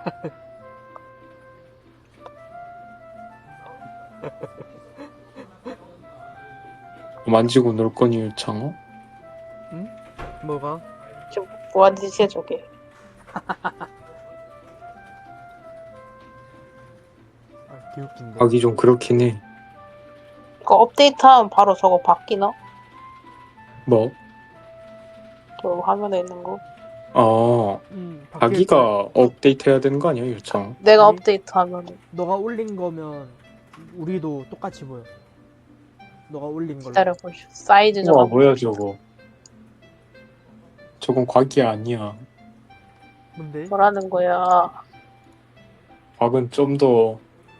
만지고 놀 거니 유창어? 응? 뭐가? 지금 뭐하는 짓이야 저게. 아, 개웃긴데. 하기 좀 그렇긴 해. 이거 업데이트하면 바로 저거 바뀌나? 뭐? 저 화면에 있는 거. 바뀔 자기가 걸. 업데이트 해야 되는 거 아니야 유창어? 내가 아니. 업데이트하면 너가 올린 거면 우리도 똑같이 보여. 너가 올린 걸로. 기다려보시오. 사이즈 좀 우와 한번 뭐야 봅시다. 저거. 저건 과기 아니야. 뭔데? 뭐라는 거야. 곽은 좀 더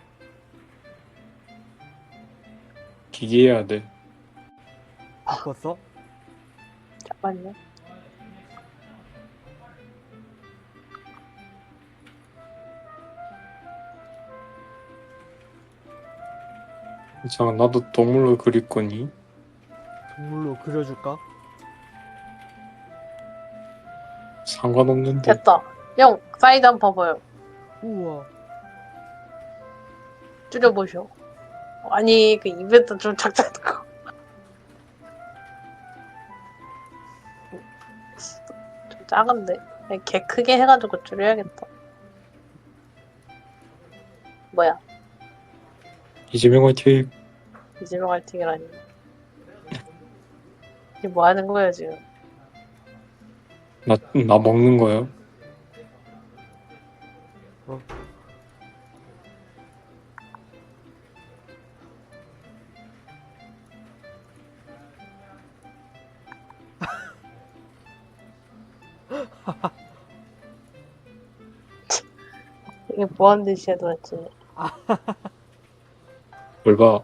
기계해야 돼. 바꿨어? 잠깐만요. 유창아 나도 동물로 그릴 거니? 동물로 그려줄까? 상관없는데. 됐다. 형 사이즈 한번 봐봐요. 우와. 줄여보시오. 아니 그 이벤트 좀 작작한 거. 좀 작은데. 그냥 개 크게 해가지고 줄여야겠다. 뭐야? 이재명 화이팅. 이재명 할팅이라니. 이게 뭐 하는 거야 지금? 나 먹는 거야. 어. 이게 뭐 하는 짓이야 도대체. 뭘 봐.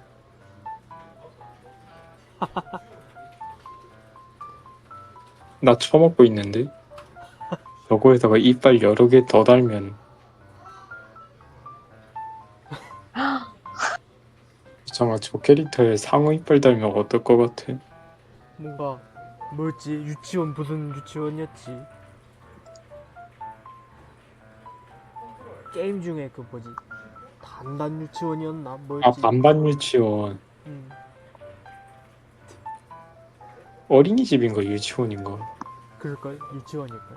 나 처먹고 있는데? 저거에다가 이빨 여러 개 더 달면 잠깐 저 캐릭터에 상어 이빨 달면 어떨 것 같아? 뭔가 뭐였지? 유치원 무슨 유치원이었지? 게임 중에 그 뭐지? 단단 유치원이었나? 아 뭐였지? 반반 유치원. 음. 어린이집인가 유치원인가? 그럴걸? 유치원일걸?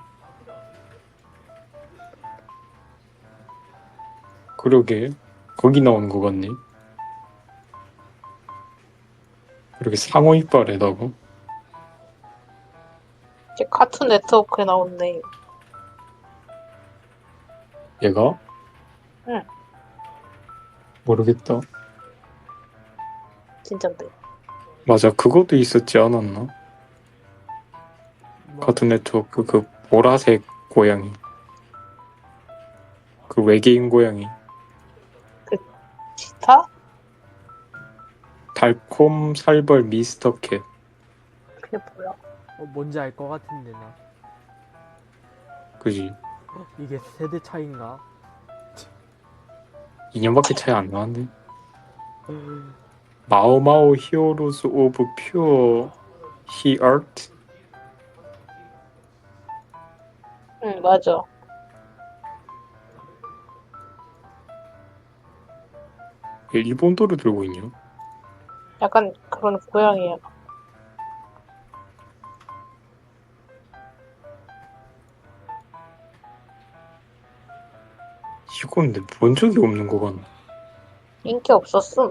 그러게 거기 나오는 거 같네. 그렇게 상어 이빨에다가 이제 카툰 네트워크에 나오네. 얘가? 응. 모르겠다. 진짠데. 맞아 그것도 있었지 않았나? 뭐, 카툰 네트워크 그 보라색 고양이 그 외계인 고양이 기타? 달콤 살벌 미스터 캣. 그게 뭐야? 뭔지 알 것 같은데 나. 그지? 이게 세대 차인가? 2년밖에 차이 안 나는데. 마오마오 히어로즈 오브 퓨어 히어트. 응 맞아. 일본도를 들고 있냐? 약간 그런 고양이야. 이건 근데 본 적이 없는 거 같나? 인기 없었음.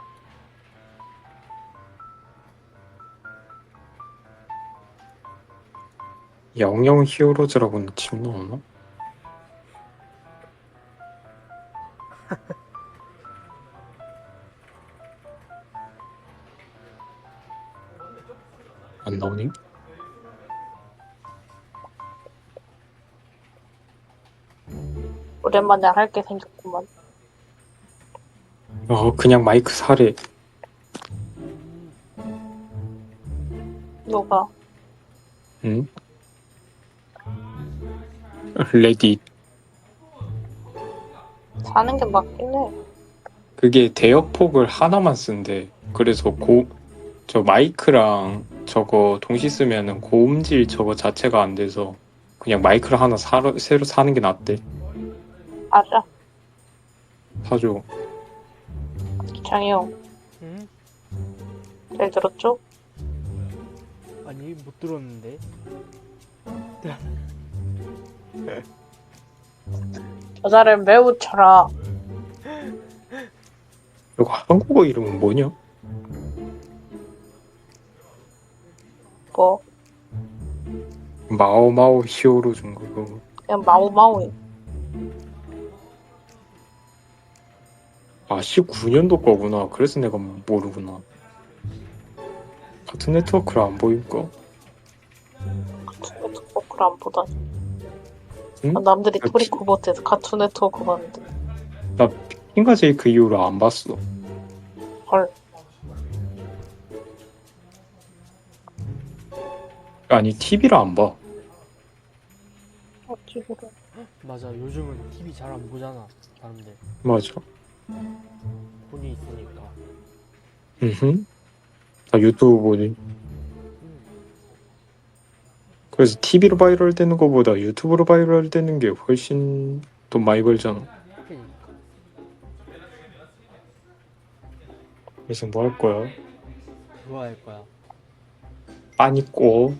영영 히어로즈라고는 지금 나오나? 안 나오니? 오랜만에 할 게 생겼구만. 그냥 마이크 사래. 누가? 응? 레딧. 사는 게 맞긴 해. 그게 대역폭을 하나만 쓴대. 그래서 저 마이크랑 저거 동시 쓰면은 고음질 저거 자체가 안 돼서 그냥 마이크를 하나 새로 사는 게 낫대. 알아. 사줘. 장이 형, 응? 잘 들었죠? 아니 못 들었는데. 여자를 매우 쳐라. 이거 한국어 이름은 뭐냐? 뭐 마오마오 히어로 준 거고. 그냥 마우마우해. 아 19년도 거구나. 그래서 내가 모르구나. 같은 네트워크를 안 보일까? 카툰 네트워크를 안 보다니. 응? 아, 남들이 아, 토리코버트에서 카툰 네트워크 봤는데. 나 핑가 제이크 이후로 안 봤어. 헐. 아니 TV를 안 봐. 어찌 그래. 맞아, 요즘은 TV 잘 안 보잖아 사람들. 맞아. 폰이 있으니까. 응. 나 유튜브 보지. 그래서 TV로 바이럴 되는 거보다 유튜브로 바이럴 되는 게 훨씬 돈 많이 벌잖아. 그러니까 그래서 뭐 할 거야? 그거 할 거야. 빠니꼬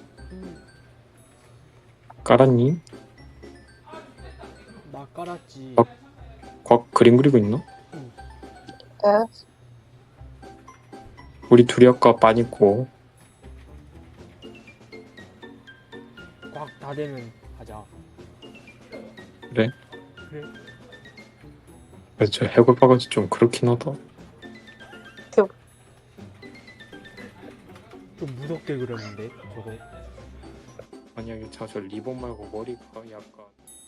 깔았니? 나 깔았지. 그림 그리고 있나? 네? 우리 둘이 아까 빠니꼬. 꽉 다 되면 하자. 그래? 그래? 그래서 저 해골 바가지 좀 그렇긴 하다. 좀 무섭게 그렸는데 저거. 만약에 저 리본 말고 머리가 약간